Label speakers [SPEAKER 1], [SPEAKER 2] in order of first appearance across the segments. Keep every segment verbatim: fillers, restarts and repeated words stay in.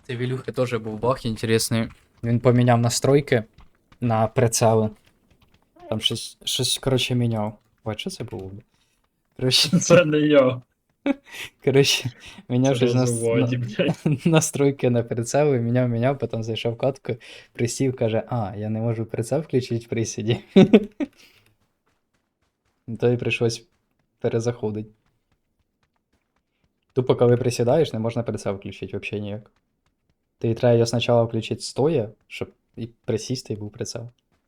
[SPEAKER 1] Це в Ілюхи теж був баг інтересний. Він поміняв настройки на прицели. Там щось, щось коротше, міняв. Ой, що це було? Коротше,
[SPEAKER 2] Це не я.
[SPEAKER 1] коротше міняв
[SPEAKER 2] Це
[SPEAKER 1] щось на,
[SPEAKER 2] розводі,
[SPEAKER 1] на,
[SPEAKER 2] блядь.
[SPEAKER 1] настройки на прицели, міняв, міняв, потім зайшов в катку, присів, каже, а, я не можу прицел включити в присіді. То й прийшлось перезаходити. Тупо, коли присідаєш, не можна прицел включити взагалі ніяк. Ти треба його спочатку включити стоя, щоб і присісти і був прицел.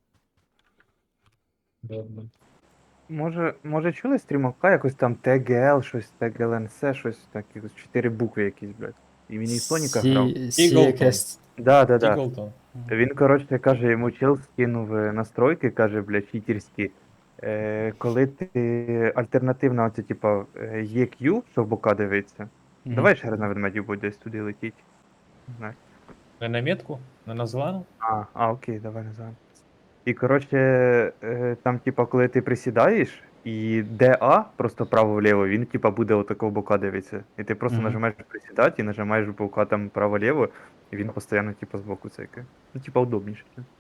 [SPEAKER 2] Добре.
[SPEAKER 3] Може, може чули стрімовка якось там Т Г Л, щось, Т Г Л Н С, щось таке, чотири букви якісь, блядь. І він і Соніка грав.
[SPEAKER 1] Сі, сі
[SPEAKER 4] Eagleton.
[SPEAKER 1] якесь...
[SPEAKER 3] Да, да, да.
[SPEAKER 4] Тіглтон.
[SPEAKER 3] Він, коротше, каже, йому чел скинув е, настройки, каже, блядь, читерські. Е, коли ти альтернативна, оце, типа, е, Е Q, що в бока дивиться.
[SPEAKER 1] Мгм.
[SPEAKER 3] Давай ще раз на ведмедів буде десь туди летіть. Не знаю.
[SPEAKER 4] Не на метку? Не на зелену?
[SPEAKER 3] А, а, окей, давай назад. І коротше, е, там, типа, коли ти присідаєш, і Д А, просто право-вліво, він типа буде отакого бока дивиться. І ти просто
[SPEAKER 1] Мгм.
[SPEAKER 3] нажимаєш присідати і нажимаєш бока там право-ліво, і він постійно типа збоку цейкає. Ну, типа, удобніше.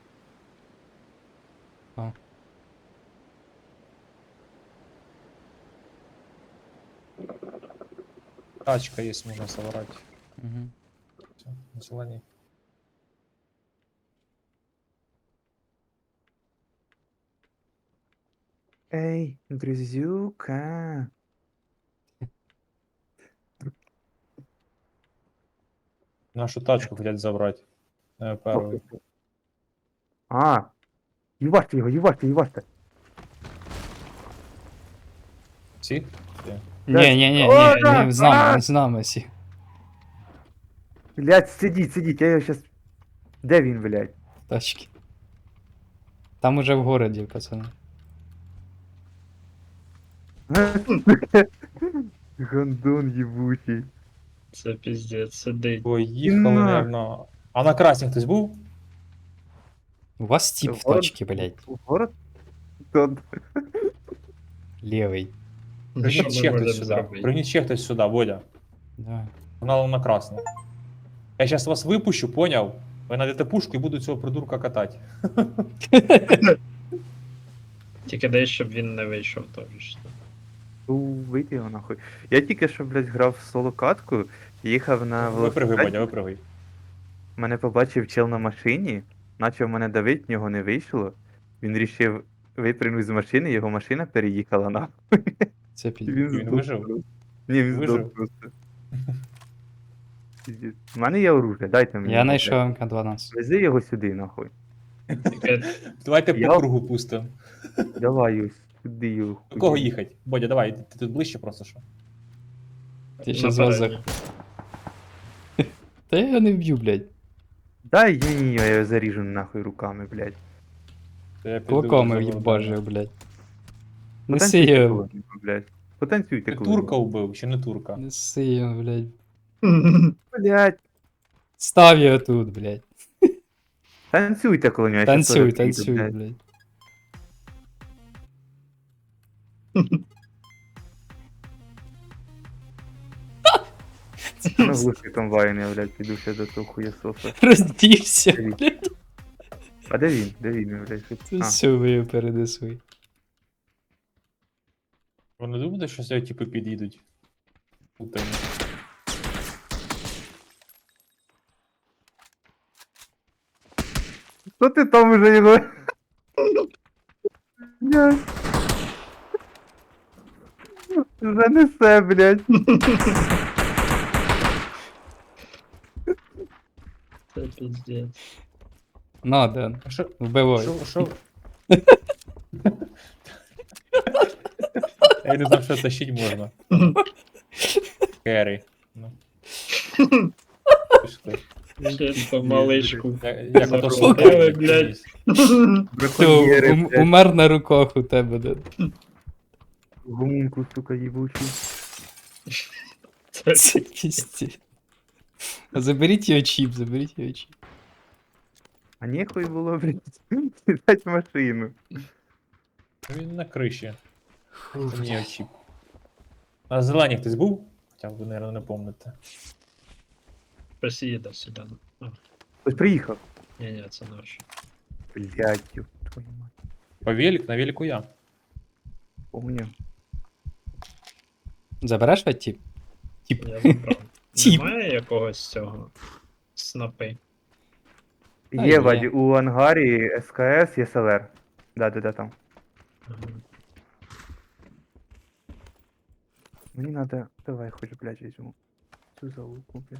[SPEAKER 1] А.
[SPEAKER 4] Тачка є, можна забирати.
[SPEAKER 1] Мгм.
[SPEAKER 4] Все, на зеленій.
[SPEAKER 3] Ей, друзюка.
[SPEAKER 4] Нашу тачку хотять забрати. Е, Перший.
[SPEAKER 3] А, їваште його, їваште, їваште.
[SPEAKER 4] Всі?
[SPEAKER 1] Ні, ні, ні, ні,
[SPEAKER 3] О,
[SPEAKER 1] ні, з нами,
[SPEAKER 3] а!
[SPEAKER 1] з нами всі.
[SPEAKER 3] Блядь, сидіть, сидіть, я його щас... Де він, блядь?
[SPEAKER 1] Тачки. Там уже в городі, пацани.
[SPEAKER 3] Гандон їбучий.
[SPEAKER 2] Це піздець, сидить.
[SPEAKER 4] Поїхали,
[SPEAKER 3] На.
[SPEAKER 4] наверно. А на красній хтось був?
[SPEAKER 1] У вас тип в
[SPEAKER 3] Город-
[SPEAKER 1] тачці, блядь.
[SPEAKER 3] В город? Тут.
[SPEAKER 1] Лівий.
[SPEAKER 2] Ну, що
[SPEAKER 4] Пригніть
[SPEAKER 2] ми
[SPEAKER 4] ще хтось
[SPEAKER 2] можемо
[SPEAKER 4] сюди.
[SPEAKER 2] зробити?
[SPEAKER 4] Пригніть ще хтось сюди, Бодя.
[SPEAKER 1] Да.
[SPEAKER 4] Погнали на красну. Я зараз вас випущу, поняв? Ви знайдете пушку і буду цього придурка катати.
[SPEAKER 2] Тільки дай, щоб він не вийшов теж.
[SPEAKER 3] Ну, вийди його нахуй. Я тільки що, блядь, грав в соло-катку, їхав на
[SPEAKER 4] Випригуй,
[SPEAKER 3] велосипеді,
[SPEAKER 4] Бодя, випригуй.
[SPEAKER 3] мене побачив чел на машині, почав мене давити, в нього не вийшло. Він рішив випрыгнути з машини, його машина переїхала нахуй.
[SPEAKER 1] Це
[SPEAKER 3] І
[SPEAKER 1] під...
[SPEAKER 3] він,
[SPEAKER 4] Він
[SPEAKER 3] здох
[SPEAKER 4] вижив?
[SPEAKER 3] просто. Ні, він
[SPEAKER 4] Вижив?
[SPEAKER 3] здох просто. Пиздець. У мене є оружие, дайте мені.
[SPEAKER 1] Я
[SPEAKER 3] його,
[SPEAKER 1] знайшов
[SPEAKER 3] блядь.
[SPEAKER 1] М К дванадцять.
[SPEAKER 3] Вези його сюди, нахуй.
[SPEAKER 2] Тільки
[SPEAKER 4] Давайте по
[SPEAKER 3] Я-
[SPEAKER 4] кругу пустимо.
[SPEAKER 3] Давай його сюди його.
[SPEAKER 4] До кого
[SPEAKER 3] хуй.
[SPEAKER 4] їхати? Бодя, давай, ти ти тут ближче просто що.
[SPEAKER 1] Ти ще з вас
[SPEAKER 2] напередній.
[SPEAKER 1] за... Та я його не вб'ю, блядь.
[SPEAKER 3] Дай ні, я його заріжу нахуй руками, блядь.
[SPEAKER 4] То я піду
[SPEAKER 1] Кулаками
[SPEAKER 4] за
[SPEAKER 1] в'їбажив,
[SPEAKER 4] Богданом.
[SPEAKER 1] блядь. Неси
[SPEAKER 3] Потанцюйте
[SPEAKER 1] його.
[SPEAKER 3] коли-небудь, блядь. Потанцюйте
[SPEAKER 4] Ти
[SPEAKER 3] коли.
[SPEAKER 4] турка вбив, чи не турка?
[SPEAKER 1] Неси його, блядь.
[SPEAKER 3] Блядь.
[SPEAKER 1] Став його тут, блядь.
[SPEAKER 3] Танцюйте коло нього. я щас
[SPEAKER 1] Танцюй,
[SPEAKER 3] теж піду,
[SPEAKER 1] танцюй,
[SPEAKER 3] блядь.
[SPEAKER 1] блядь.
[SPEAKER 3] Ну, глухий комбайн, я, блядь, піду ще до того хуєсоса.
[SPEAKER 1] Роздівся, блядь.
[SPEAKER 3] А де він? Де він, блядь? Що-
[SPEAKER 1] Це
[SPEAKER 3] А,
[SPEAKER 1] все ви його перенесли.
[SPEAKER 4] Вони думають, що сюди типу під'їдуть. Путані.
[SPEAKER 3] Що ти там уже його? Блядь. Вже несе, блядь.
[SPEAKER 2] Це піздець.
[SPEAKER 1] На, Ден,
[SPEAKER 4] А що?
[SPEAKER 1] вбивай.
[SPEAKER 4] Що? Що? Я не знав, що тащить можна. Керрі. Ну. Пішли.
[SPEAKER 2] Ще по малишку.
[SPEAKER 4] Я- Як ото
[SPEAKER 2] Заробили,
[SPEAKER 4] слухали,
[SPEAKER 2] блядь.
[SPEAKER 1] Все,
[SPEAKER 3] Браконьєри,
[SPEAKER 1] ум-
[SPEAKER 3] блядь.
[SPEAKER 1] умер на руках у тебе, Ден.
[SPEAKER 3] Гумунку, сука, їбучий.
[SPEAKER 2] Це
[SPEAKER 1] Це пізді. Заберіть його чіп, заберіть його чіп.
[SPEAKER 3] А нехуй було, блядь, сідати в машину.
[SPEAKER 4] Він на криші. Це не очіп. А зелені хтось був? Хоча ви, мабуть, не помните.
[SPEAKER 2] Хтось їде сюди. А,
[SPEAKER 3] Хтось приїхав.
[SPEAKER 2] ні, ні, це наш.
[SPEAKER 3] Блядь, ёб твою мать.
[SPEAKER 4] По велик, на велику я.
[SPEAKER 3] Помню.
[SPEAKER 1] Забереш ведь тіп? Тіп.
[SPEAKER 2] Я забрав.
[SPEAKER 1] Тіп.
[SPEAKER 2] Немає якогось цього снапи.
[SPEAKER 1] А,
[SPEAKER 3] Є,
[SPEAKER 1] є.
[SPEAKER 3] Ваді, у ангарі ес ка ес є селер. Да, да, да, там.
[SPEAKER 2] Ага.
[SPEAKER 3] Мені надо. Давай, хоч, блядь, візьму. Цю залуку, блядь.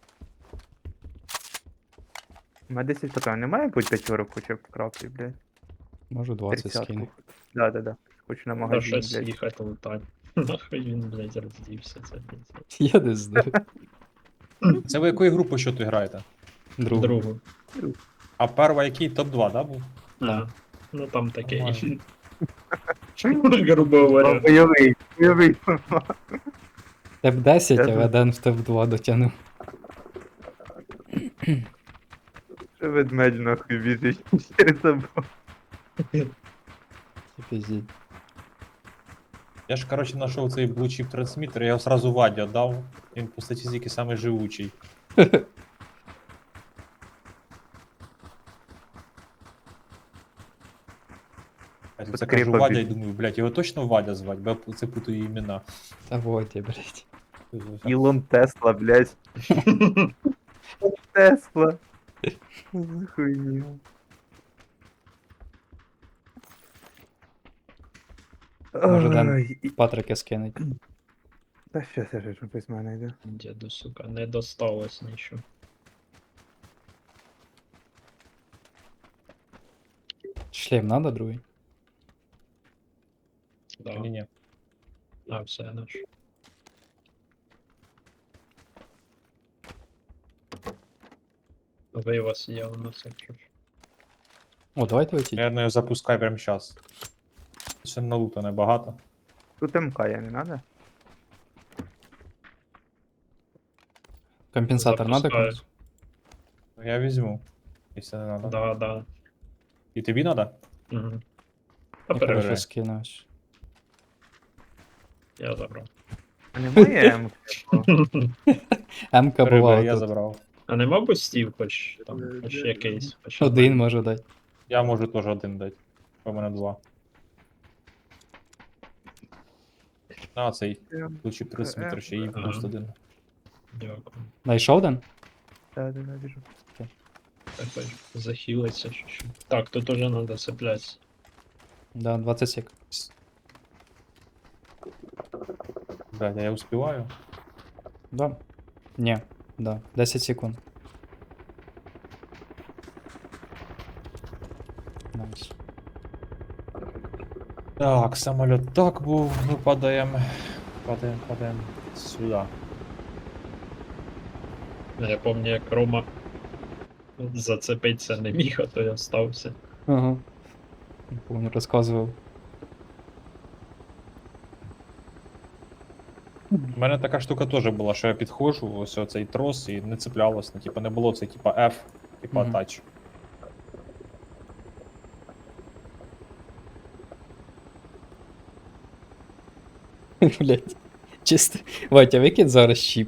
[SPEAKER 3] У мене десять патронів. Немає будь п'ятерок хоча б краплі, блядь.
[SPEAKER 1] Можу двадцять скину.
[SPEAKER 3] Тридцятку. Да, да, да. Хочу на
[SPEAKER 2] Да
[SPEAKER 3] магазин,
[SPEAKER 2] щось
[SPEAKER 3] блядь.
[SPEAKER 2] їхати лутать. Нахуй він, блядь, роздівся, це блядь.
[SPEAKER 1] Я не знаю.
[SPEAKER 4] Це ви якої групи що тут граєте?
[SPEAKER 1] Другу.
[SPEAKER 2] Другу.
[SPEAKER 4] А перва який топ два, да, був?
[SPEAKER 2] А, ну там такий.
[SPEAKER 4] Нормально.
[SPEAKER 2] Грубо говоря.
[SPEAKER 3] Бойовий, бойовий.
[SPEAKER 1] Теп десять,
[SPEAKER 3] Я
[SPEAKER 1] а
[SPEAKER 3] тут-
[SPEAKER 1] Веден в топ два дотягнув.
[SPEAKER 3] Що ведмедь нахуй біжить через забор.
[SPEAKER 1] Пиздіть.
[SPEAKER 4] Я ж, коротше, знайшов цей блучіп трансмітер, я його сразу Ваді віддав. Він по статистиці самий живучий. Я тут це
[SPEAKER 3] Скрипа
[SPEAKER 4] кажу Вадя і
[SPEAKER 3] біжить.
[SPEAKER 4] думаю, блядь, його точно Вадя звать, бо я це путаю імена.
[SPEAKER 1] Та вот я, блядь.
[SPEAKER 3] Ілон Тесла, блядь. Тесла. За хуйня.
[SPEAKER 1] Може, Ден-
[SPEAKER 3] Ой, і-
[SPEAKER 1] Патрики скинуть.
[SPEAKER 3] Та що це ж без мене йде?
[SPEAKER 2] Діду, сука, не досталось нічого.
[SPEAKER 1] Шлем надо другий?
[SPEAKER 2] Да.
[SPEAKER 4] Ні-ні.
[SPEAKER 2] А, все наш. Ви у вас є у нас, якщо ж.
[SPEAKER 1] О, давайте летіть.
[SPEAKER 4] Я його запускаю прямо зараз. Ще налута небагато.
[SPEAKER 3] Тут МК я не надо?
[SPEAKER 1] Компенсатор надо
[SPEAKER 2] Запускаю.
[SPEAKER 1] комусь?
[SPEAKER 4] Я візьму. Якщо не треба.
[SPEAKER 2] Да, да.
[SPEAKER 4] І тобі треба?
[SPEAKER 2] Угу.
[SPEAKER 1] Я
[SPEAKER 2] Опережай,
[SPEAKER 1] короче скинусь.
[SPEAKER 2] я забрав.
[SPEAKER 3] А немає МК?
[SPEAKER 1] М-ка бувала
[SPEAKER 4] я
[SPEAKER 1] тут.
[SPEAKER 4] забрав.
[SPEAKER 2] А нема бустів хоч там, хоч якийсь. Хоч
[SPEAKER 1] Один можу дати.
[SPEAKER 4] Я можу теж один дати. У мене два. А, цей ключі трансмітер ще і
[SPEAKER 2] Ага.
[SPEAKER 4] плюс один.
[SPEAKER 2] Дякую.
[SPEAKER 1] Найшов Ден?
[SPEAKER 3] Да, да, да, біжу.
[SPEAKER 2] Так хоч захилиться чуть-чуть. Так, тут уже надо цеплятися.
[SPEAKER 1] Да, двадцять сек.
[SPEAKER 4] Блядь, а я успіваю?
[SPEAKER 1] Да. Не, да. десять секунд. Найс.
[SPEAKER 4] Так, самоліт так був, ми падаємо. Падаємо, падаємо сюди.
[SPEAKER 2] Я пам'ятаю, як Рома зацепитися не міг, а то я стався.
[SPEAKER 1] Ага. Не помню, розказував.
[SPEAKER 4] У мене така штука теж була, що я підходжу, ось оцей трос і не цеплялось, ну, типа не було це типа F, типа
[SPEAKER 1] Мгм.
[SPEAKER 4] тач.
[SPEAKER 1] Блять. Чисто. Ватя, викид зараз чіп.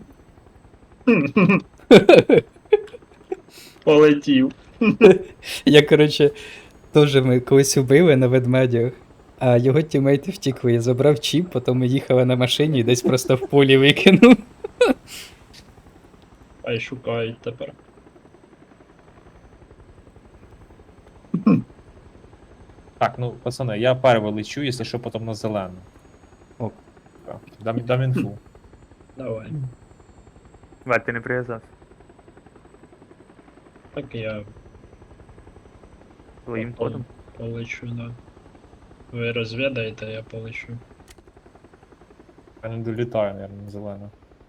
[SPEAKER 2] Полетів.
[SPEAKER 1] Я, короче, теж ми колись убили на ведмедях, а його тімейти втікли. Я забрав чіп, потім ми їхали на машині і десь просто в полі викинув.
[SPEAKER 2] А й шукають тепер.
[SPEAKER 4] Так, ну пацани, я перший лечу, якщо що, потім на зелену.
[SPEAKER 1] Ок.
[SPEAKER 4] Так, Дам, дам інфу.
[SPEAKER 2] Давай.
[SPEAKER 3] Валь, ти не прив'язався.
[SPEAKER 2] Так я
[SPEAKER 3] Своїм
[SPEAKER 2] пол-
[SPEAKER 3] ходом.
[SPEAKER 2] полечу, да. Ви розвідаєте, я полечу.
[SPEAKER 4] Я не долітаю, мабуть, на зелену.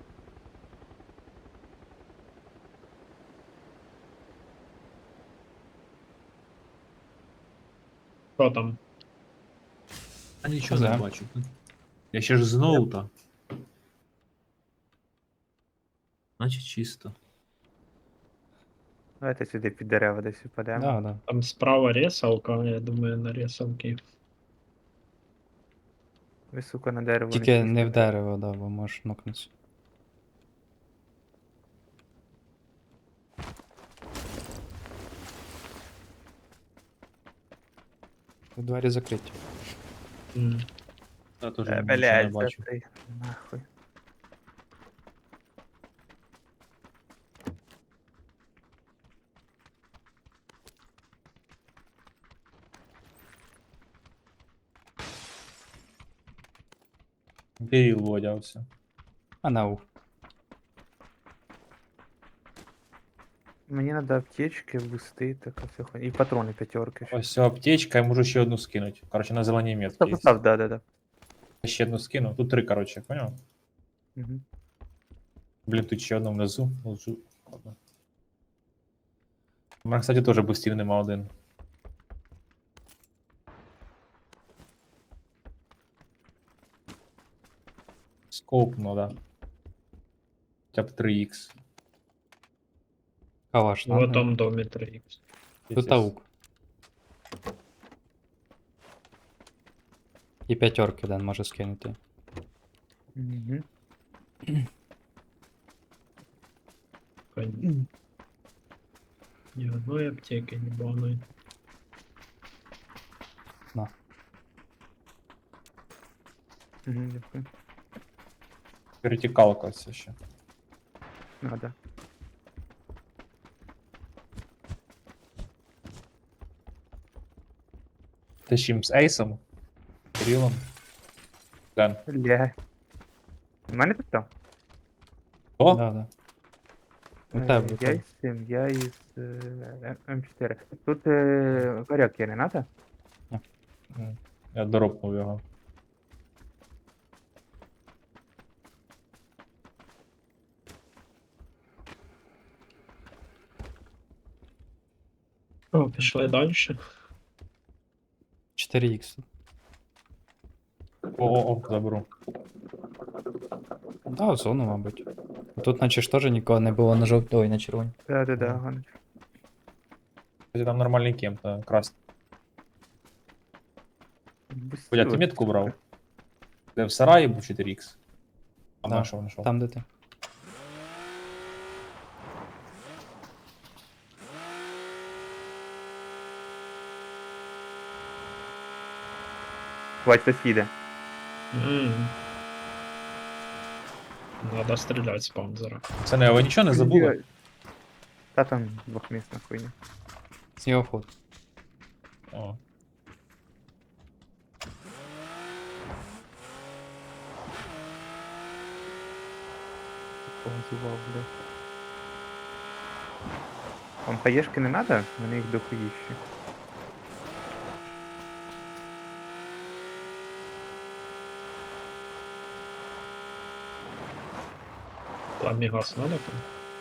[SPEAKER 2] Що там?
[SPEAKER 4] А нічого
[SPEAKER 1] не
[SPEAKER 4] не бачу. Я ще ж знову та. Значить чисто.
[SPEAKER 3] Давайте сюди під дерева десь впадемо.
[SPEAKER 1] Да, да.
[SPEAKER 2] Там справа ресалка, я думаю, на ресалки.
[SPEAKER 3] Ви, сука, на дерево
[SPEAKER 1] Тільки не в
[SPEAKER 3] сісти.
[SPEAKER 1] дерево, да, бо можеш нокнутися. Двері закриті.
[SPEAKER 2] М.
[SPEAKER 4] Я теж
[SPEAKER 3] Е,
[SPEAKER 4] нічого не
[SPEAKER 3] Блядь,
[SPEAKER 4] бачу.
[SPEAKER 3] закрий. Нахуй.
[SPEAKER 4] Беріл водявся.
[SPEAKER 1] А нау.
[SPEAKER 3] Мені треба аптечки, бусти, така вся хуйня. І патрони п'ятерки. ще.
[SPEAKER 4] Ось ця аптечка, я можу ще одну скинути. Коротше, на зеленій метці
[SPEAKER 3] Став,
[SPEAKER 4] є.
[SPEAKER 3] став, да, да, да.
[SPEAKER 4] Я ще одну скину. Тут три, коротше, поняв?
[SPEAKER 3] Угу.
[SPEAKER 4] Блін, тут ще одна внизу. Лежу. Ладно. У мене, кстати, теж бустів нема один. Скоп, ну да. Хоча б три ікс.
[SPEAKER 1] Калаш,
[SPEAKER 2] В
[SPEAKER 1] надо.
[SPEAKER 2] этом доме три ікс.
[SPEAKER 1] Тут аук. І п'ятерки Ден може скинути.
[SPEAKER 3] Угу.
[SPEAKER 2] Ни одной аптеки, ни баной.
[SPEAKER 3] Угу, дякую.
[SPEAKER 4] Вертикалка все ще.
[SPEAKER 3] Надо.
[SPEAKER 4] Ти з чим з Ейсом? Кирилом? Ден.
[SPEAKER 3] Блядь. У мене тут там?
[SPEAKER 4] О?
[SPEAKER 1] Да, да. У
[SPEAKER 3] Е,
[SPEAKER 1] тебе, у
[SPEAKER 3] Я
[SPEAKER 1] тебе.
[SPEAKER 3] із цим, я із е, М чотири. Тут е, горяк є, не надо?
[SPEAKER 4] М, Я доропнув його.
[SPEAKER 2] О, пішли далі.
[SPEAKER 1] чотири ікс.
[SPEAKER 4] О-о-о, заберу.
[SPEAKER 1] Да, в зону, мабуть. Тут наче ж теж нікого не було на жовтій, ой, на червоній.
[SPEAKER 3] Да, да, да,
[SPEAKER 4] Мгм.
[SPEAKER 3] Ганич.
[SPEAKER 4] Кстати, там нормальний кемп, та красний.
[SPEAKER 3] Бусти
[SPEAKER 4] Ходя, ти
[SPEAKER 3] от.
[SPEAKER 4] метку брав? Де в сараї був чотири ікс? А
[SPEAKER 1] Да,
[SPEAKER 4] на що знайшов?
[SPEAKER 1] Там, де ти.
[SPEAKER 3] Бать, сусіди.
[SPEAKER 2] М. Надо стріляти з панзера.
[SPEAKER 4] Це не, ви нічого не забули?
[SPEAKER 3] Та там двохмісна хуйня.
[SPEAKER 1] Снігоход.
[SPEAKER 4] О.
[SPEAKER 3] Позував, бля. Вам хаєшки не надо? Мене їх дохуїще.
[SPEAKER 2] Ламігас надо там?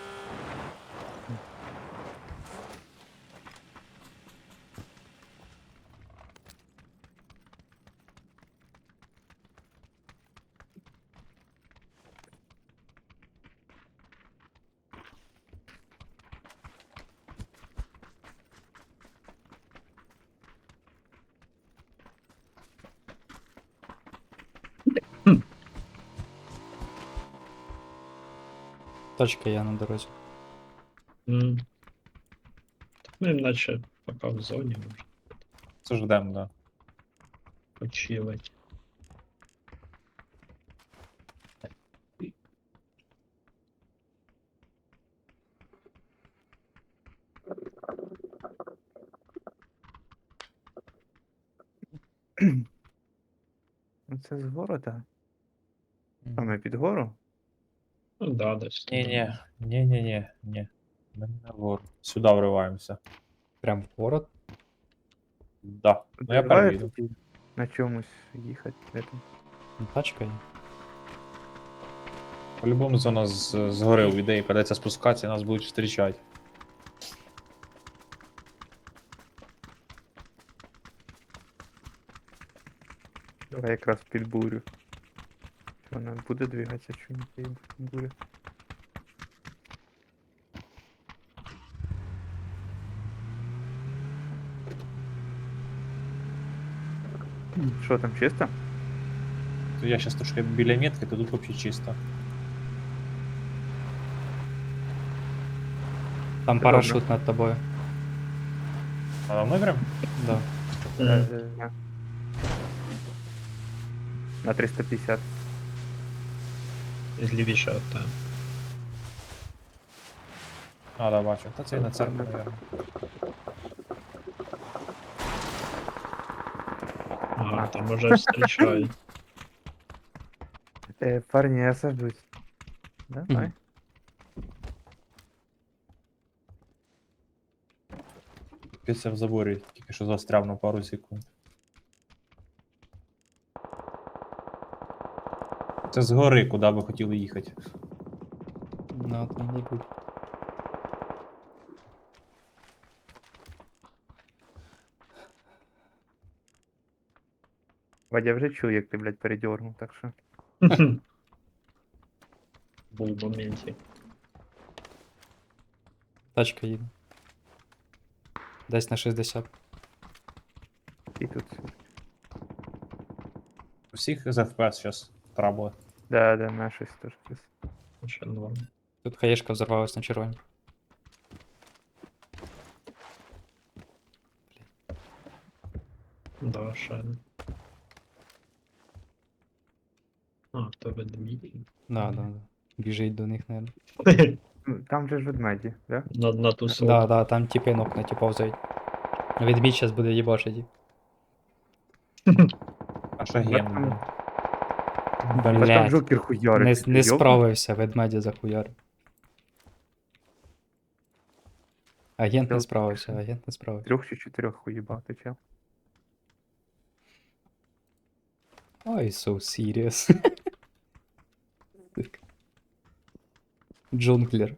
[SPEAKER 1] Точка я на дорозі.
[SPEAKER 2] М. Так ми наче поки в зоні може
[SPEAKER 4] Це ж ждем, да.
[SPEAKER 2] почилить.
[SPEAKER 3] Ну це з города. Саме під гору.
[SPEAKER 2] Ну да, десь. туди.
[SPEAKER 4] Ні-ні, ні-ні-ні, ні. Ми не нагору. Сюди вриваємося.
[SPEAKER 1] Прям в город.
[SPEAKER 4] Да. Ну я
[SPEAKER 3] Давай
[SPEAKER 4] перевіду.
[SPEAKER 3] тоді на чомусь їхати. Де там?
[SPEAKER 1] Ну, Тачка є.
[SPEAKER 4] По-любому зона з, згори у ідеї придеться спускатися і нас будуть зустрічати.
[SPEAKER 3] Давай якраз під бурю. Що вона буде двигатися, чи не під бурю? Що там, чисто?
[SPEAKER 4] То я зараз трошки біля метки, то тут взагалі чисто.
[SPEAKER 1] Там
[SPEAKER 3] Це
[SPEAKER 1] парашут над тобою.
[SPEAKER 4] А давно прям?
[SPEAKER 1] Да.
[SPEAKER 3] Е,
[SPEAKER 2] М,
[SPEAKER 3] е, На триста п'ятдесят.
[SPEAKER 2] Лівіше от там.
[SPEAKER 4] А, да, бачу. Та це і на церкву, наверное.
[SPEAKER 2] Ага, там уже встрічають.
[SPEAKER 3] Е, парні, я сажусь. Давай.
[SPEAKER 1] Мгм.
[SPEAKER 4] Після в заборі тільки що застряв на пару секунд. Це згори, куди ви хотіли їхати.
[SPEAKER 1] Ну, там не буде.
[SPEAKER 3] Вадя, я вже чую, як ти, блядь, передьорнув, так що.
[SPEAKER 2] Був в моменті.
[SPEAKER 1] Тачка їде. Десь на шістдесят.
[SPEAKER 3] І тут.
[SPEAKER 4] У всіх з еф пі ес зараз трабли.
[SPEAKER 3] Да, да, на щось теж. плюс.
[SPEAKER 2] Ще норм.
[SPEAKER 1] Тут хаєшка взорвалась на червоні.
[SPEAKER 2] Да, ще. А, то ведмідь.
[SPEAKER 1] Да, да, да. Біжить до них, наверное.
[SPEAKER 3] Ну, там же ж ведмеді, да?
[SPEAKER 2] На, на ту сотку.
[SPEAKER 1] Да, да, там типи ног на ті повзають. Відмідь зараз буде їбашити.
[SPEAKER 4] А ще
[SPEAKER 3] Бать
[SPEAKER 4] ген.
[SPEAKER 3] там-
[SPEAKER 4] блін.
[SPEAKER 3] Бать там
[SPEAKER 1] Блять.
[SPEAKER 3] Джокер хуярить.
[SPEAKER 1] Не,
[SPEAKER 3] ти
[SPEAKER 1] не
[SPEAKER 3] йобнутий?
[SPEAKER 1] справився, ведмедя захуярив. Агент не
[SPEAKER 3] Чел-
[SPEAKER 1] справився, агент не справився.
[SPEAKER 3] Трьох чи чотирьох хуїбав, ти чел.
[SPEAKER 1] Ой, so serious. Так. Джунглер.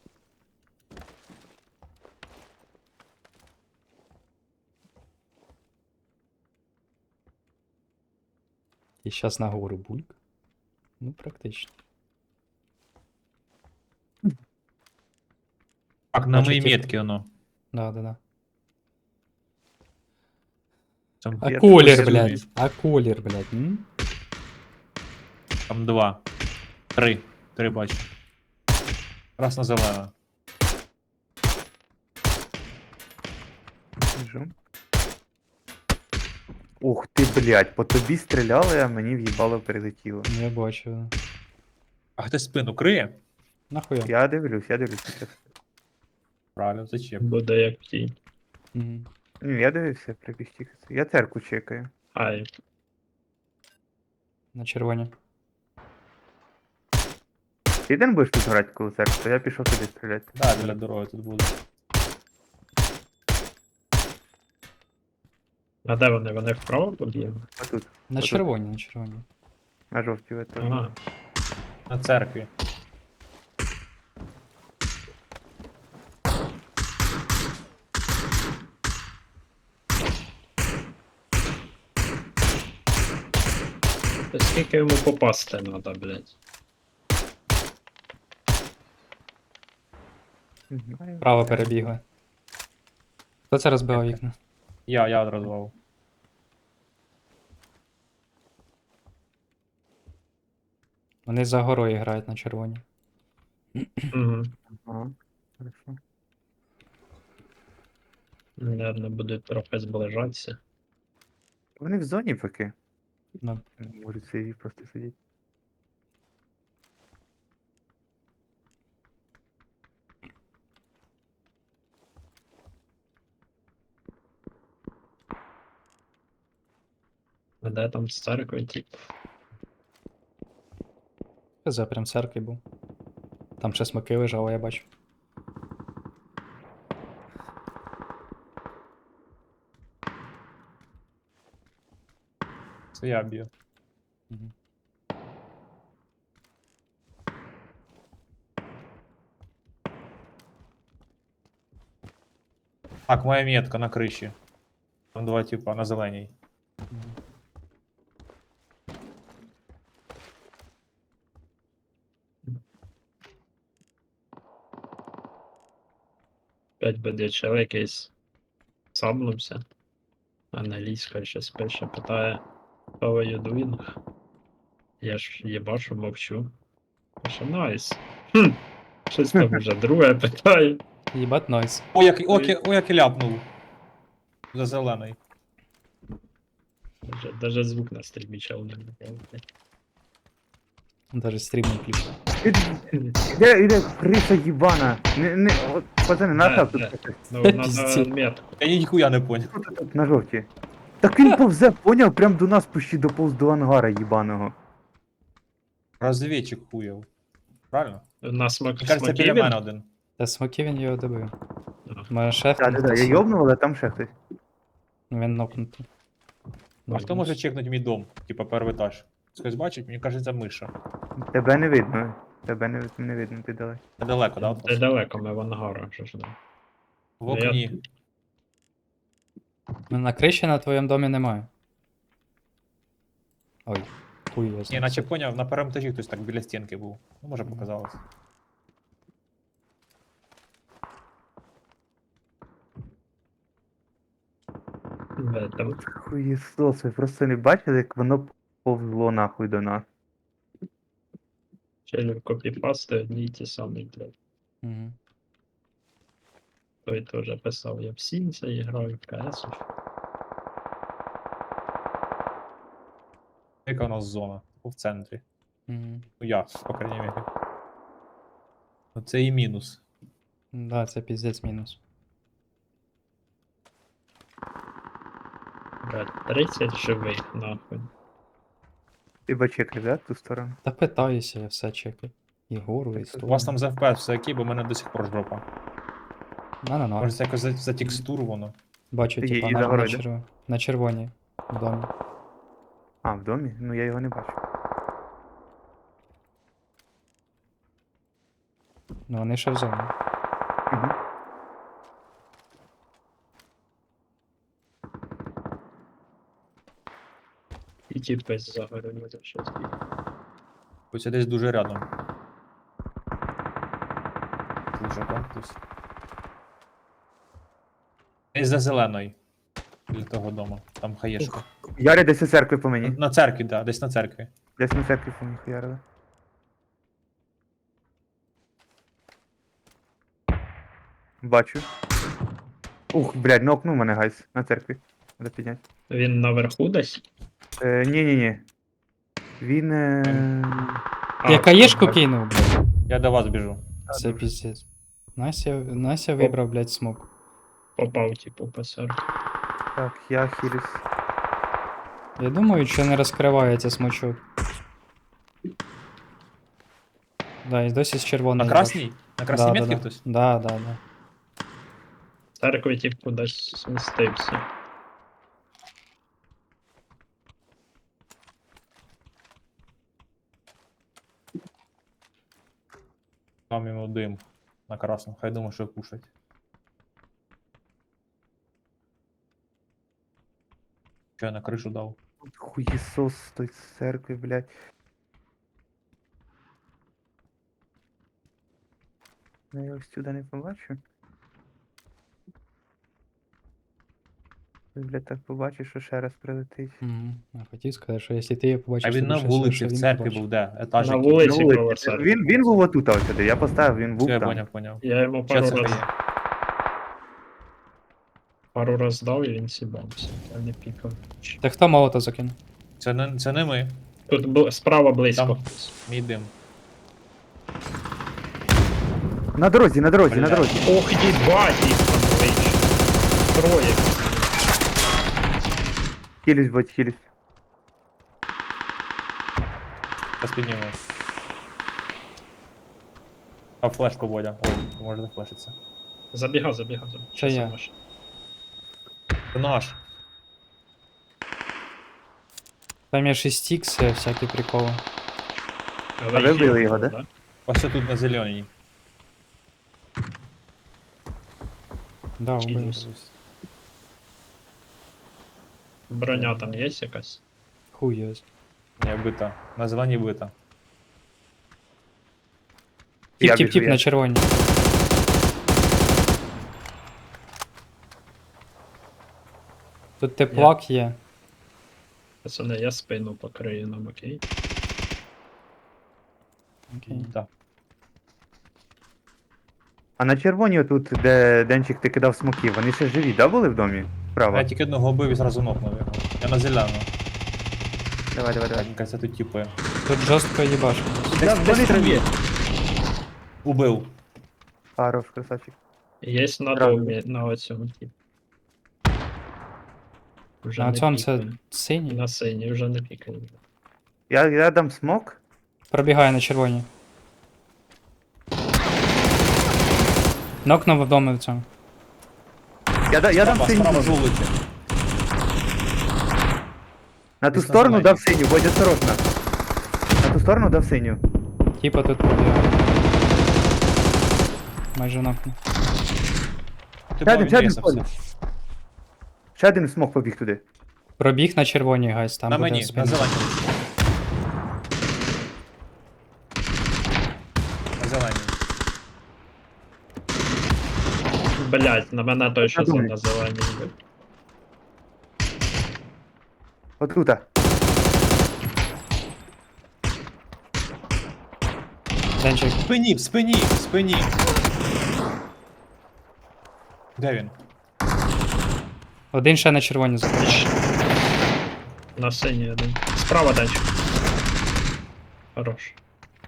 [SPEAKER 1] І зараз на гору бульк. Ну, практично.
[SPEAKER 4] Так, на моїй
[SPEAKER 1] Бачите?
[SPEAKER 4] метці воно.
[SPEAKER 1] Да, да, да.
[SPEAKER 4] Там,
[SPEAKER 1] А
[SPEAKER 3] Я
[SPEAKER 1] колір,
[SPEAKER 4] тут
[SPEAKER 1] блядь.
[SPEAKER 4] розумію.
[SPEAKER 1] А колір, блядь. М?
[SPEAKER 4] там два. Три. Три бачу. Раз на зелено.
[SPEAKER 3] Біжу. Ух ти, блядь, по тобі стріляли, а мені в'їбало прилетіло.
[SPEAKER 1] Я бачу.
[SPEAKER 4] А хтось спину криє?
[SPEAKER 1] Нахуя?
[SPEAKER 3] Я дивлюсь, я дивлюсь.
[SPEAKER 4] Правильно, зачем?
[SPEAKER 2] Буде як тінь.
[SPEAKER 1] Мгм.
[SPEAKER 3] Ні, я дивився, прибіг тільки. Я церкву чекаю.
[SPEAKER 2] Ай,
[SPEAKER 1] На червоні.
[SPEAKER 3] Ти один будеш тут грати коло церкви, то я пішов туди стріляти.
[SPEAKER 4] Да, біля дороги тут буде.
[SPEAKER 2] а де вони? Вони вправо побігли?
[SPEAKER 3] А тут,
[SPEAKER 1] На
[SPEAKER 3] Отут.
[SPEAKER 1] червоні, на червоні.
[SPEAKER 3] на жовтій ви теж.
[SPEAKER 2] Ага.
[SPEAKER 4] На церкві.
[SPEAKER 2] Та скільки йому попасти треба, блядь?
[SPEAKER 3] Не знаю.
[SPEAKER 1] Право перебігли. Хто це розбивав вікна?
[SPEAKER 4] Я, я одразу.
[SPEAKER 1] Вони за горою грають на червоні.
[SPEAKER 2] Угу.
[SPEAKER 3] Ага, хорошо.
[SPEAKER 2] Наверно, будуть трохи зближатися.
[SPEAKER 3] Вони в зоні поки.
[SPEAKER 1] Ну,
[SPEAKER 3] Можуть собі просто сидіти.
[SPEAKER 2] А де там з церкви, тип?
[SPEAKER 1] за прям церкві був. Там ще смоки лежали, я бачу.
[SPEAKER 4] Це я б'ю.
[SPEAKER 1] Мгм.
[SPEAKER 4] Так, моя метка на криші. Там два типа на зеленій.
[SPEAKER 1] Мгм.
[SPEAKER 2] П'ять буде чел якийсь саблився. Англійська щось пише, питає How are you doing? Я ж їбашу, мовчу. Пише найс. Хм. Щось там вже друге питає.
[SPEAKER 1] Їбать нойс.
[SPEAKER 4] О, як, о, як, о, як і ляпнув. За зелений.
[SPEAKER 2] Даже, даже звук на стрімі чел не було.
[SPEAKER 1] Даже стрім не включив.
[SPEAKER 3] Іде, іде, криса їбана. Не, не, от, пацани, нахав
[SPEAKER 2] Де,
[SPEAKER 3] тут.
[SPEAKER 2] Ну,
[SPEAKER 1] Пиздец.
[SPEAKER 2] надо метку.
[SPEAKER 4] Я ніхуя не поняв.
[SPEAKER 3] Тут, тут, на жовті. Так він повзе, поняв, прям до нас почти доповз до ангара їбаного.
[SPEAKER 4] Розвідчик хуєв. Правильно?
[SPEAKER 2] На смак...
[SPEAKER 4] Мені кажеться, біля
[SPEAKER 2] смокі
[SPEAKER 4] мене
[SPEAKER 2] він?
[SPEAKER 4] один.
[SPEAKER 1] Та смоки він його добив.
[SPEAKER 2] А.
[SPEAKER 1] Моя шеф.
[SPEAKER 3] Так, так, так, я йобнув, але там ще хтось.
[SPEAKER 1] Він нокнутий.
[SPEAKER 4] А хто може чекнути мій дом? Типа перший етаж. Хтось бачить, мені кажеться, миша.
[SPEAKER 3] Тебе не видно. Тебе не, не видно, ти далеко.
[SPEAKER 4] Це далеко, да? от
[SPEAKER 2] Це
[SPEAKER 4] вас?
[SPEAKER 2] далеко, ми в ангарах вже ж. да.
[SPEAKER 4] В окні.
[SPEAKER 1] Ну, на криші на твоєму домі немає. Ой, хуй я
[SPEAKER 4] Ні,
[SPEAKER 1] знаю.
[SPEAKER 4] наче поняв, на першому етажі хтось так біля стінки був. Ну, може, показалось.
[SPEAKER 2] Бе, Там
[SPEAKER 3] Хуєсос, ви просто не бачили, як воно повзло нахуй до нас.
[SPEAKER 2] челів копіпасти одні й ті самі, блядь.
[SPEAKER 1] Угу.
[SPEAKER 2] Той теж писав, я в Сінця і граю в КС.
[SPEAKER 4] Яка у нас зона? В центрі.
[SPEAKER 1] Угу.
[SPEAKER 4] Ну я, по крайній мірі. Оце і мінус.
[SPEAKER 1] Да, це піздець мінус.
[SPEAKER 2] Блядь, тридцять живих, нахуй.
[SPEAKER 3] Ти бачекай, да, ту сторону?
[SPEAKER 1] Та питаюся, я все чекаю. І гору, і
[SPEAKER 4] У
[SPEAKER 1] сторону.
[SPEAKER 4] вас там за еф пі ес все окей, бо в мене до сих пор жопа.
[SPEAKER 1] На, на, на.
[SPEAKER 4] Може це якось за, за текстуру воно.
[SPEAKER 1] Бачу,
[SPEAKER 3] Є-
[SPEAKER 1] типа,
[SPEAKER 3] і
[SPEAKER 1] на,
[SPEAKER 3] за
[SPEAKER 1] на,
[SPEAKER 3] горою, да?
[SPEAKER 1] черв... на червоній в домі.
[SPEAKER 3] А, в домі? Ну я його не бачу.
[SPEAKER 1] Ну вони ще в зоні.
[SPEAKER 3] Угу.
[SPEAKER 2] І ті пес загорили за щось.
[SPEAKER 4] Ось десь дуже рядом. Слушай, там хтось. Десь за зеленою. Біля того дому. Там хаєшка.
[SPEAKER 3] Ярі десь у церкві по
[SPEAKER 4] На,
[SPEAKER 3] мені.
[SPEAKER 4] на церкві, да, десь на церкві.
[SPEAKER 3] Десь на церкві по мені хуярили. Бачу. Ух, блядь, нокнув мене гайс на церкві. Треба підняти.
[SPEAKER 2] Він наверху десь?
[SPEAKER 3] Е, ні-ні-ні. Він. Е...
[SPEAKER 2] А,
[SPEAKER 1] Я каєшку
[SPEAKER 2] так.
[SPEAKER 1] кинув, блядь.
[SPEAKER 4] Я до вас біжу.
[SPEAKER 1] Це піздець. Настя, Настя вибрав, блядь, смок.
[SPEAKER 2] Попав, типу, пасар.
[SPEAKER 3] Так, я хілюсь.
[SPEAKER 1] Я думаю, що не розкривається смочок. Да, і досі з червоної.
[SPEAKER 4] На красній? На красній
[SPEAKER 1] да,
[SPEAKER 4] метці
[SPEAKER 1] да, да.
[SPEAKER 4] хтось?
[SPEAKER 1] Да, да, да.
[SPEAKER 2] Церкви, типу, кудись смістився.
[SPEAKER 4] Там йому дим. На красному. Хай думає, що кушать. Що я на кришу дав?
[SPEAKER 3] Хуєсос з той церкви, блядь. Ну, я ось сюди не побачу. Ти, блядь, так побачиш, що ще раз прилетить.
[SPEAKER 1] Угу. Я хотів сказати, що якщо ти її побачиш,
[SPEAKER 4] А він
[SPEAKER 1] то
[SPEAKER 4] на
[SPEAKER 1] більше,
[SPEAKER 4] вулиці
[SPEAKER 1] що
[SPEAKER 4] в
[SPEAKER 1] він
[SPEAKER 4] церкві
[SPEAKER 1] побачить.
[SPEAKER 4] був де? Етаж
[SPEAKER 2] На
[SPEAKER 4] який?
[SPEAKER 2] вулиці.
[SPEAKER 3] На вулиці.
[SPEAKER 2] коло церкви.
[SPEAKER 3] Він, він був отут ось сюди, я поставив, він був
[SPEAKER 4] Все, я
[SPEAKER 3] там.
[SPEAKER 4] поняв, поняв.
[SPEAKER 2] Я йому
[SPEAKER 4] Що
[SPEAKER 2] пару
[SPEAKER 4] це
[SPEAKER 2] раз,
[SPEAKER 4] є?
[SPEAKER 2] пару раз дав і він сібався. Я не пікав.
[SPEAKER 1] Та хто молото закинув?
[SPEAKER 4] Це не, це не ми.
[SPEAKER 2] Тут бл- справа близько.
[SPEAKER 4] Там. Мій дим.
[SPEAKER 3] На дорозі, на дорозі, на
[SPEAKER 4] Бля.
[SPEAKER 3] дорозі.
[SPEAKER 2] Ох, їбать їх там вийшло. Троє.
[SPEAKER 3] Хілюсь, будь, хілюсь.
[SPEAKER 4] Зараз підніму. А флешку Бодя. Ой, може зафлешиться.
[SPEAKER 2] Забігав, забігав, забігав.
[SPEAKER 1] Це я.
[SPEAKER 2] Сам аж.
[SPEAKER 4] Це наш.
[SPEAKER 1] Там є шість ікс, всякі приколи.
[SPEAKER 2] Але
[SPEAKER 3] А ви
[SPEAKER 2] їх
[SPEAKER 3] вбили
[SPEAKER 2] є,
[SPEAKER 3] його, да?
[SPEAKER 4] Ось це тут на зеленій.
[SPEAKER 1] Да, убив.
[SPEAKER 2] Чилюсь. Броня там є якась?
[SPEAKER 1] Хуй його.
[SPEAKER 4] Не, бита. На зеленій бита.
[SPEAKER 1] Тіп,
[SPEAKER 3] Я
[SPEAKER 1] тіп,
[SPEAKER 3] біжу,
[SPEAKER 1] тіп
[SPEAKER 3] я.
[SPEAKER 1] на червоній. Тут теплак є.
[SPEAKER 2] Пацани, я спину покрию нам, окей?
[SPEAKER 1] Окей.
[SPEAKER 4] Так.
[SPEAKER 3] А на червоній отут, де Денчик ти кидав смоки, вони ще живі, да, були в домі? Справа.
[SPEAKER 4] Я тільки одного бив і зразу нокнув його. Я на зелену.
[SPEAKER 3] Давай, давай, давай.
[SPEAKER 4] Мені кажется, тут типи.
[SPEAKER 1] Тут жорстко їбашимо.
[SPEAKER 3] Да, вони там є.
[SPEAKER 4] Убив.
[SPEAKER 3] Хорош, красавчик.
[SPEAKER 2] Є на
[SPEAKER 3] Правда.
[SPEAKER 2] домі, на оцьому типу. Вже
[SPEAKER 1] На
[SPEAKER 2] не
[SPEAKER 1] цьому це
[SPEAKER 2] пікаємо.
[SPEAKER 1] синій.
[SPEAKER 2] На синій вже не пікаємо.
[SPEAKER 3] Я, я дам смок.
[SPEAKER 1] Пробігає на червоні. Нокнув вдома в цьому.
[SPEAKER 3] Я, да- я дам
[SPEAKER 4] Справа,
[SPEAKER 3] синю.
[SPEAKER 4] справа жолудь.
[SPEAKER 3] На ту
[SPEAKER 4] Десь на
[SPEAKER 3] сторону
[SPEAKER 4] зелені.
[SPEAKER 3] дав синю, будь осторожно. На ту сторону дав синю.
[SPEAKER 1] Типа тут пробігає. Майже нокнув.
[SPEAKER 4] Ти
[SPEAKER 3] Сядем,
[SPEAKER 4] бо він
[SPEAKER 3] сядем,
[SPEAKER 4] рісався.
[SPEAKER 3] Коля. Ще один смок побіг туди.
[SPEAKER 1] Пробіг на червоній, гайс, там
[SPEAKER 4] На
[SPEAKER 1] буде
[SPEAKER 4] мені, на
[SPEAKER 1] спина.
[SPEAKER 4] зеленій. На зеленій.
[SPEAKER 2] Блять, на мене той, що
[SPEAKER 3] Я думаю.
[SPEAKER 2] на зеленій. йде.
[SPEAKER 3] Отута.
[SPEAKER 1] Денчик,
[SPEAKER 4] В спині, в спині, в спині. Де він?
[SPEAKER 1] один ще на червоні заходить.
[SPEAKER 2] На синій один. Справа дальше. Хорош.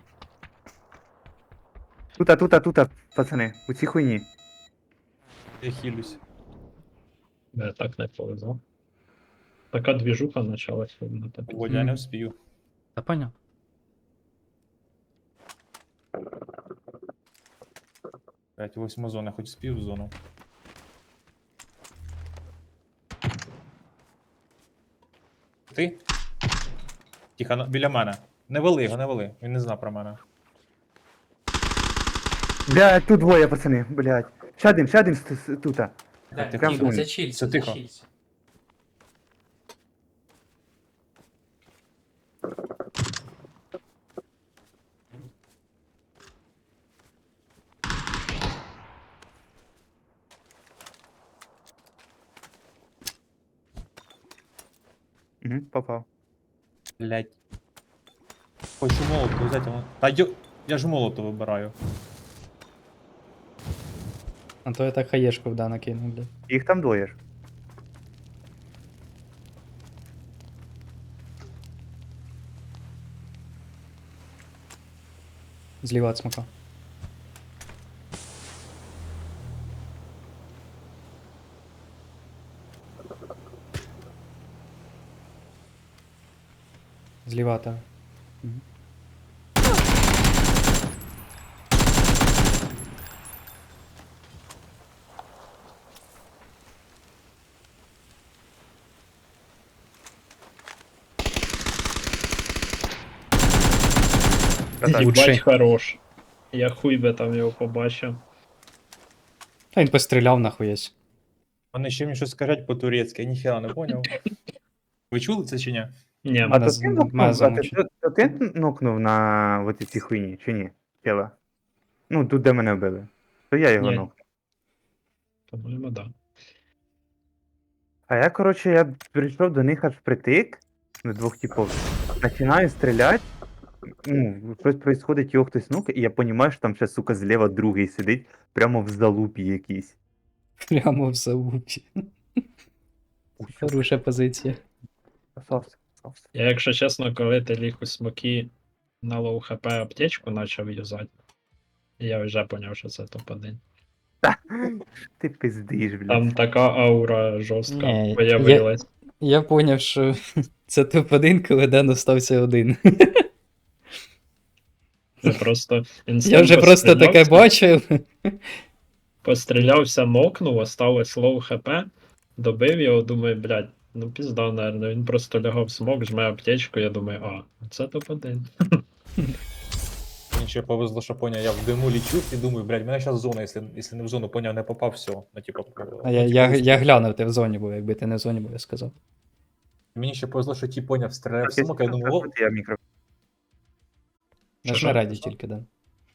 [SPEAKER 3] Тута, тута, тута, пацани. У цій хуйні.
[SPEAKER 4] Я хилюсь.
[SPEAKER 2] Я так не повезло. Така двіжуха почалась на тобі.
[SPEAKER 4] Водя, я не вспію.
[SPEAKER 1] Та поняв.
[SPEAKER 4] Блять, восьма зона, хоч спів в зону. Ти? Тихо, на- біля мене. Не вели його, не вели. Він не знав про мене.
[SPEAKER 3] Блядь, тут двоє, пацани, блядь. Ще один, ще один с- с- тута.
[SPEAKER 4] Тихо,
[SPEAKER 3] Прям
[SPEAKER 4] тихо.
[SPEAKER 3] думаю.
[SPEAKER 1] зачілься,
[SPEAKER 4] Все тихо.
[SPEAKER 1] зачілься.
[SPEAKER 3] Угу, попав.
[SPEAKER 4] Блять. Хочу молоту взяти. але- Та йо... Я ж молоту вибираю.
[SPEAKER 1] А то я так хаєшку вда накинув, блядь.
[SPEAKER 3] Їх там двоє ж.
[SPEAKER 1] Зліва від смока. Зліва от тебе. Мгм.
[SPEAKER 3] Красавчик.
[SPEAKER 1] Лучший.
[SPEAKER 2] Їбать хорош. Я хуй би там його побачив.
[SPEAKER 1] Та він постріляв нахуєсь.
[SPEAKER 4] Вони ще мені щось скажуть по-турецьки, я ніхера не поняв. Ви чули це чи ні?
[SPEAKER 2] Ні,
[SPEAKER 3] А
[SPEAKER 1] Мене
[SPEAKER 3] то
[SPEAKER 1] з-
[SPEAKER 3] ти
[SPEAKER 1] мене
[SPEAKER 3] нокнув, а ти,
[SPEAKER 1] замучить.
[SPEAKER 3] то, то ти нокнув на вот цій хуйні, чи ні? Тіла. Ну, тут де мене вбили. То я його
[SPEAKER 2] Ні.
[SPEAKER 3] нокнув.
[SPEAKER 2] по-моєму, да.
[SPEAKER 3] А я, коротше, я прийшов до них аж впритик, до двох типів. Починаю стріляти. Ну, щось происходить, його хтось нукає, і я розумію, що там ще, сука, зліва другий сидить, прямо в залупі якийсь.
[SPEAKER 1] Прямо в залупі. Хороша позиція.
[SPEAKER 3] Красавці, красавці.
[SPEAKER 2] Я, якщо чесно, коли ти ліг у смокі на лоу хп аптечку почав юзати, я вже поняв, що це топ один.
[SPEAKER 3] Ти пиздиш, блядь.
[SPEAKER 2] Там така аура жорстка
[SPEAKER 1] Ні,
[SPEAKER 2] появилась.
[SPEAKER 1] Я поняв, що це топ один, коли Ден остався один.
[SPEAKER 2] Це просто
[SPEAKER 1] Я вже просто таке бачив.
[SPEAKER 2] Пострілявся, мокнув, осталось лоу хп, добив його, думаю, блядь, ну пізда, наверное. Він просто лягав смок, жме аптечку, я думаю, а, це топ один.
[SPEAKER 4] Мені ще повезло, що поняв, я в диму лічу і думаю, блядь, мене зараз зона, якщо, якщо не в зону, поняв, не попав, все. Ну, типу,
[SPEAKER 1] А я,
[SPEAKER 4] ну,
[SPEAKER 1] я,
[SPEAKER 4] типу,
[SPEAKER 1] я глянув, ти в зоні був, якби ти не в зоні був, я сказав.
[SPEAKER 4] Мені ще повезло, що ті поняв, стріляв в
[SPEAKER 3] Так,
[SPEAKER 4] смок, я думаю, о,
[SPEAKER 3] я мікро.
[SPEAKER 2] Що,
[SPEAKER 1] Нажми
[SPEAKER 2] що?
[SPEAKER 1] раді тільки, Ден.